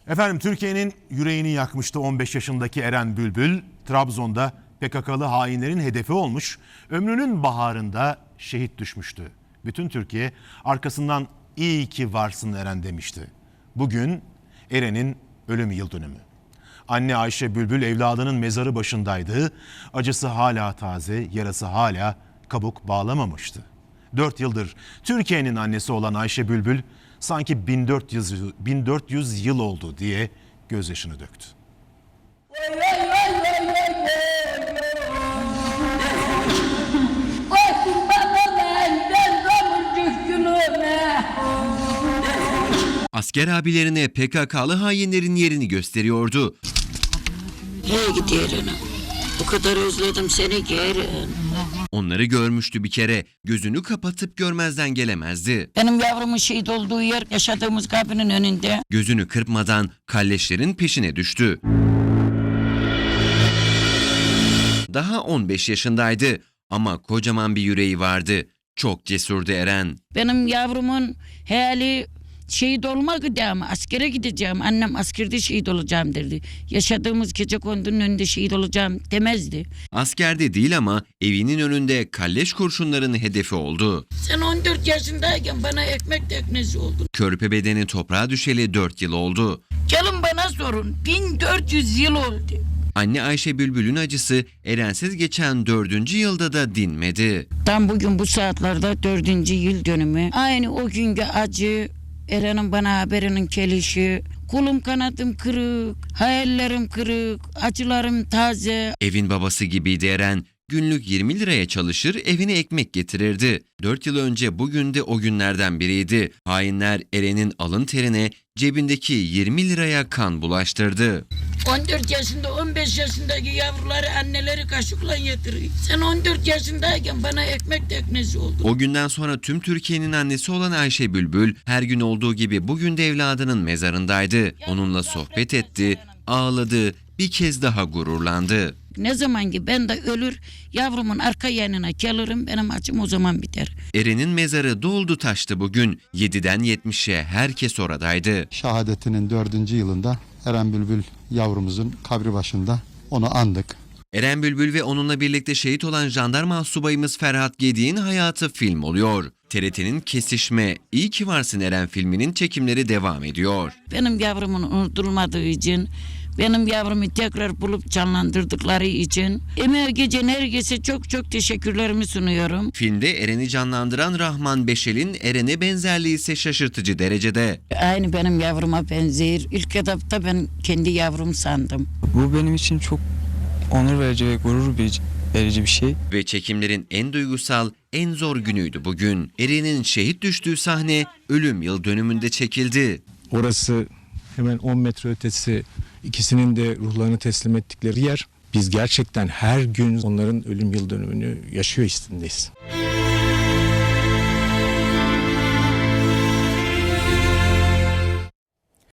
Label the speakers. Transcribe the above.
Speaker 1: Efendim, Türkiye'nin yüreğini yakmıştı 15 yaşındaki Eren Bülbül. Trabzon'da PKK'lı hainlerin hedefi olmuş, ömrünün baharında şehit düşmüştü. Bütün Türkiye arkasından "iyi ki varsın Eren" demişti. Bugün Eren'in ölüm yıl dönümü. Anne Ayşe Bülbül evladının mezarı başındaydı. Acısı hala taze, yarası hala kabuk bağlamamıştı. 4 yıldır Türkiye'nin annesi olan Ayşe Bülbül sanki 1400 yıl oldu diye gözyaşını döktü.
Speaker 2: Asker abilerine PKK'lı hainlerin yerini gösteriyordu.
Speaker 3: Hey git yerine. O kadar özledim seni ki Eren.
Speaker 2: Onları görmüştü bir kere. Gözünü kapatıp görmezden gelemezdi.
Speaker 3: Benim yavrumun şehit olduğu yer yaşadığımız kabinin önünde.
Speaker 2: Gözünü kırpmadan kalleşlerin peşine düştü. Daha 15 yaşındaydı ama kocaman bir yüreği vardı. Çok cesurdu Eren.
Speaker 3: Benim yavrumun hayali şehit olmak idi ama askere gideceğim. Annem askerde şehit olacağım derdi. Yaşadığımız gecekondunun önünde şehit olacağım demezdi.
Speaker 2: Askerde değil ama evinin önünde kalleş kurşunların hedefi oldu.
Speaker 3: Sen 14 yaşındayken bana ekmek teknesi oldun.
Speaker 2: Körpe bedeni toprağa düşeli 4 yıl oldu.
Speaker 3: Gelin bana sorun. 1400 yıl oldu.
Speaker 2: Anne Ayşe Bülbül'ün acısı Erensiz geçen 4. yılda da dinmedi.
Speaker 3: Tam bugün bu saatlerde 4. yıl dönümü. Aynı o günkü acı, Eren'in bana haberinin gelişi, kolum kanadım kırık, hayallerim kırık, acılarım taze.
Speaker 2: Evin babası gibiydi Eren. Günlük 20 liraya çalışır, evine ekmek getirirdi. 4 yıl önce bugün de o günlerden biriydi. Hainler Eren'in alın terine cebindeki 20 liraya kan bulaştırdı.
Speaker 3: 14 yaşında 15 yaşındaki yavruları anneleri kaşıkla yediriyor. Sen 14 yaşındayken bana ekmek teknesi oldun.
Speaker 2: O günden sonra tüm Türkiye'nin annesi olan Ayşe Bülbül her gün olduğu gibi bugün de evladının mezarındaydı. Onunla sohbet etti, ağladı, bir kez daha gururlandı.
Speaker 3: Ne zaman ki ben de ölür, yavrumun arka yanına gelirim, benim acım o zaman biter.
Speaker 2: Eren'in mezarı doldu taştı bugün. 7'den 70'e herkes oradaydı.
Speaker 4: Şehadetinin 4. yılında Eren Bülbül yavrumuzun kabri başında onu andık.
Speaker 2: Eren Bülbül ve onunla birlikte şehit olan jandarma subayımız Ferhat Gedik'in hayatı film oluyor. TRT'nin Kesişme, İyi ki Varsın Eren filminin çekimleri devam ediyor.
Speaker 3: Benim yavrumun unutulmadığı için, benim yavrumu tekrar bulup canlandırdıkları için emeği geçen herkese çok çok teşekkürlerimi sunuyorum.
Speaker 2: Filmde Eren'i canlandıran Rahman Beşel'in Eren'e benzerliği ise şaşırtıcı derecede.
Speaker 3: Aynı benim yavruma benzer. İlk etapta ben kendi yavrum sandım.
Speaker 5: Bu benim için çok onur verici ve gurur verici bir şey.
Speaker 2: Ve çekimlerin en duygusal, en zor günüydü bugün. Eren'in şehit düştüğü sahne ölüm yıl dönümünde çekildi.
Speaker 6: Orası hemen 10 metre ötesi, ikisinin de ruhlarını teslim ettikleri yer. Biz gerçekten her gün onların ölüm yıl dönümünü yaşıyor istedeyiz.